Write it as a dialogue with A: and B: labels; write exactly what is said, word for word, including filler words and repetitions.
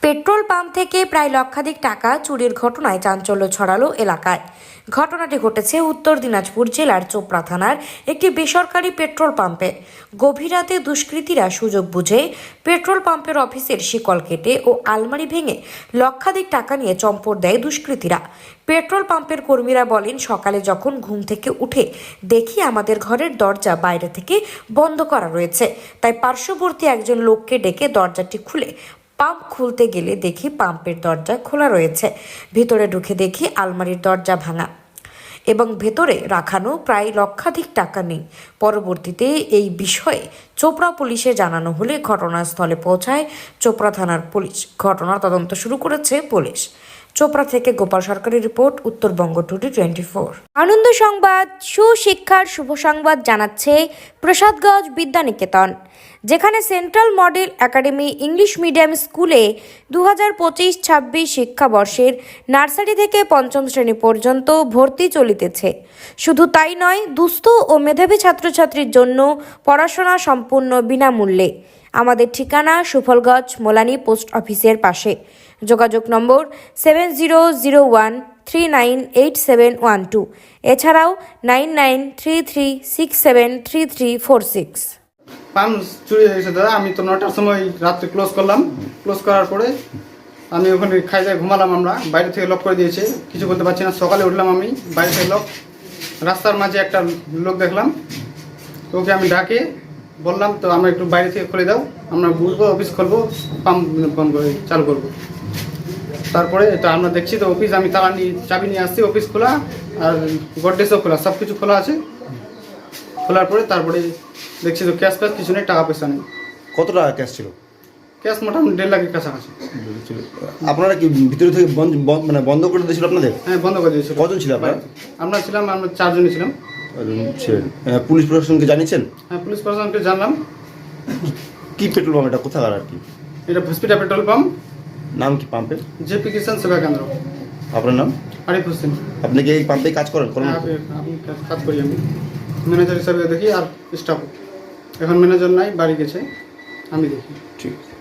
A: Petrol pump থেকে প্রায় লক্ষাধিক টাকা চুরির ঘটনায় চাঞ্চল্য ছড়ালো এলাকায়। ঘটনাটি ঘটেছে উত্তর দিনাজপুর জেলার চোপড়া থানার একটি বেসরকারি পেট্রোল পাম্পে। গভীর রাতে দুষ্কৃতীরা সুযোগ বুঝে পেট্রোল পাম্পের অফিসের শিকল কেটে ও আলমারি ভেঙে লক্ষাধিক টাকা নিয়ে চম্পট দেয় দুষ্কৃতীরা। পেট্রোল পাম্পের কর্মীরা বলেন, সকালে যখন ঘুম থেকে উঠে দেখি আমাদের ঘরের দরজা বাইরে থেকে বন্ধ করা রয়েছে, তাই পার্শ্ববর্তী একজন লোককে ডেকে দরজাটি খুলে পাম্প খুলতে গেলে দেখি পাম্পের দরজা খোলা রয়েছে। ভিতরে ঢুকে দেখি আলমারির দরজা ভাঙা এবং ভেতরে রাখানো প্রায় লক্ষাধিক টাকা নেই। পরবর্তীতে এই বিষয়ে চোপড়া পুলিশে জানানো হলে ঘটনাস্থলে পৌঁছায় চোপড়া থানার পুলিশ। ঘটনার তদন্ত শুরু করেছে পুলিশ। চোপড়া থেকে গোপাল সরকারের report, Uttarbanga today twenty four. আনন্দ সংবাদ, সুশিক্ষার শুভ সংবাদ জানাচ্ছে প্রসাদগঞ্জ বিদ্যানিকেতন, যেখানে central model academy English medium স্কুলে দু হাজার পঁচিশ ছাব্বিশ শিক্ষাবর্ষের নার্সারি থেকে পঞ্চম শ্রেণী পর্যন্ত ভর্তি চলিতেছে। শুধু তাই নয়, দুস্থ ও মেধাবী ছাত্রছাত্রীর জন্য পড়াশোনা সম্পূর্ণ বিনামূল্যে। আমাদের ঠিকানা সুফলগঞ্জ মোলানি পোস্ট অফিসের পাশে। যোগাযোগ নম্বর seven zero zero one three nine eight seven one two, এছাড়াও nine nine three three six seven three three four six.
B: Pump চুরি হয়ে গেছে দাদা। আমি তো নটার সময় রাত্রে ক্লোজ করলাম। ক্লোজ করার পরে আমি ওখানে খাই যায় ঘুমালাম। আমরা বাইরে থেকে লক করে দিয়েছে, কিছু বলতে পারছি না। সকালে উঠলাম, আমি বাইরে থেকে লক। রাস্তার মাঝে একটা লোক দেখলাম, ওকে আমি ডাকে বললাম, তো আমরা একটু বাইরে থেকে খুলে দাও, আমরা বুঝবো অফিস খুলবো, পাম্প বন্ধ করে চালু করবো। তারপরে তো আমরা দেখছি তো অফিস, আমি তালা নিয়ে চাবি নিয়ে আসছি, অফিস খোলা আর গডরেজও খোলা, সব কিছু খোলা আছে। খোলার পরে তারপরে দেখছি তো ক্যাশ ফ্যাশ কিছু নেই, টাকা পয়সা নেই।
C: কত টাকা ক্যাশ ছিল?
B: ক্যাশ মোটামুটি দেড় লাখের কাছাকাছি।
C: আপনারা কি ভিতরে থেকে বন্ধ মানে বন্ধ করে দিয়েছিল আপনাদের?
B: হ্যাঁ, বন্ধ করে দিয়েছিল।
C: কজন ছিল আপনারা?
B: আমরা ছিলাম, আমরা চারজনই ছিলাম।
C: পুলিশ প্রশাসনকে জানিয়েছেন?
B: হ্যাঁ, পুলিশ প্রশাসনকে জানলাম।
C: কি পেট্রোল পাম্প এটা, কোথাকার আর কি?
B: এটা হসপিটাল পেট্রোল পাম্প।
C: নাম কি পাম্পের?
B: জেপি কিষান সেবা কেন্দ্র।
C: আপনার নাম?
B: আরিফ হোসেন।
C: আপনি কি এই পাম্পে কাজ করেন? করেন?
B: হ্যাঁ, আমি কাজ করি, আমি ম্যানেজার হিসাবে দেখি আর স্টাফ। এখন ম্যানেজার নাই, বাড়ি গেছে, আমি দেখি।
C: ঠিক।